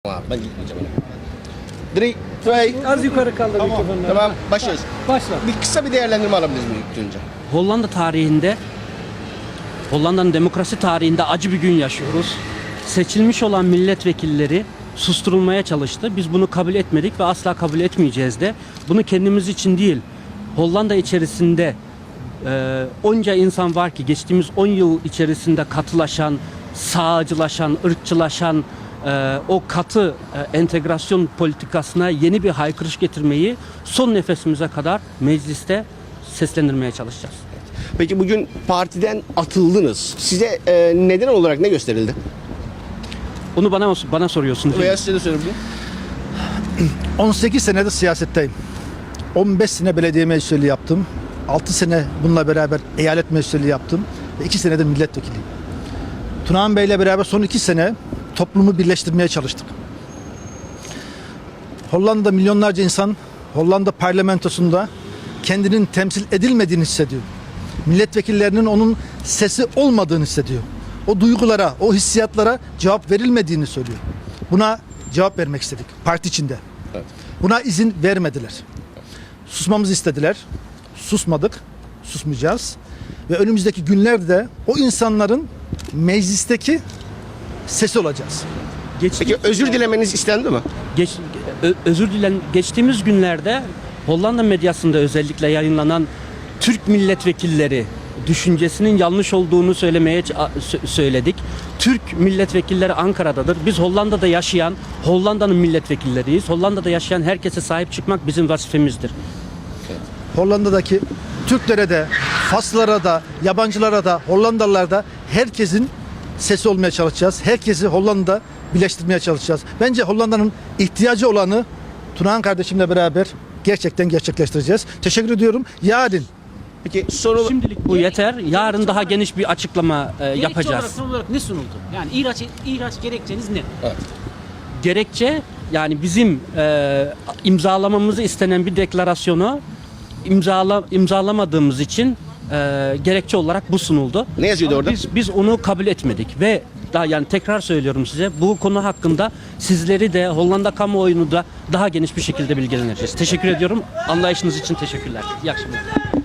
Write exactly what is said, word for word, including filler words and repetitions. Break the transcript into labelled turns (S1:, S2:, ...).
S1: Abi ben gitmeyeceğim. Three, two,
S2: Az yukarı kaldır
S1: tamam,
S2: mikrofonları.
S1: tamam, başlıyoruz.
S2: Başla.
S1: Bir kısa bir değerlendirme alabiliriz mi ilk önce?
S3: Hollanda tarihinde, Hollanda'nın demokrasi tarihinde acı bir gün yaşıyoruz. Seçilmiş olan milletvekilleri susturulmaya çalıştı. Biz bunu kabul etmedik ve asla kabul etmeyeceğiz de. Bunu kendimiz için değil, Hollanda içerisinde e, onca insan var ki geçtiğimiz on yıl içerisinde katılaşan, sağcılaşan, ırkçılaşan, e, o katı e, entegrasyon politikasına yeni bir haykırış getirmeyi son nefesimize kadar mecliste seslendirmeye çalışacağız.
S1: Peki bugün partiden atıldınız. Size e, neden olarak ne gösterildi?
S3: Onu bana bana soruyorsun.
S1: Veya size de sorabilirim.
S4: on sekiz senedir siyasetteyim. on beş sene belediye meclisliği yaptım. altı sene bununla beraber eyalet meclisliği yaptım. Ve iki senedir milletvekiliyim. Tunahan Bey'le beraber son iki sene toplumu birleştirmeye çalıştık. Hollanda'da milyonlarca insan Hollanda parlamentosunda kendinin temsil edilmediğini hissediyor. Milletvekillerinin onun sesi olmadığını hissediyor. O duygulara, o hissiyatlara cevap verilmediğini söylüyor. Buna cevap vermek istedik parti içinde.
S1: Evet.
S4: Buna izin vermediler. Susmamızı istediler. Susmadık. Susmayacağız. Ve önümüzdeki günlerde o insanların meclisteki sesi olacağız.
S1: Peki özür dilemeniz istendi mi?
S3: Geç, ö- özür dilen geçtiğimiz günlerde Hollanda medyasında özellikle yayınlanan Türk milletvekilleri düşüncesinin yanlış olduğunu söylemeye ç- a- sö- söyledik. Türk milletvekilleri Ankara'dadır. Biz Hollanda'da yaşayan, Hollanda'nın milletvekilleriyiz. Hollanda'da yaşayan herkese sahip çıkmak bizim vazifemizdir.
S4: Hollanda'daki Türklere de, Faslılara da, yabancılara da, Hollandalılara da herkesin sesi olmaya çalışacağız. Herkesi Hollanda birleştirmeye çalışacağız. Bence Hollanda'nın ihtiyacı olanı Tunahan kardeşimle beraber gerçekten gerçekleştireceğiz. Teşekkür ediyorum. Yarın
S1: Peki soru...
S3: Şimdilik bu yeter. Yarın daha geniş bir açıklama e,
S2: Gerekçe
S3: yapacağız.
S2: olarak, son olarak ne sunuldu? Yani ihraç, ihraç gerekçeniz ne?
S1: Evet.
S3: Gerekçe yani bizim e, imzalamamızı istenen bir deklarasyonu imzala, imzalamadığımız için e, gerekçe olarak bu sunuldu.
S1: Ne yazıyordu
S3: Ama
S1: orada?
S3: Biz, biz onu kabul etmedik ve daha yani tekrar söylüyorum size bu konu hakkında sizleri de Hollanda kamuoyunu da daha geniş bir şekilde bilgilendireceğiz. Teşekkür ediyorum. Anlayışınız için teşekkürler. İyi akşamlar.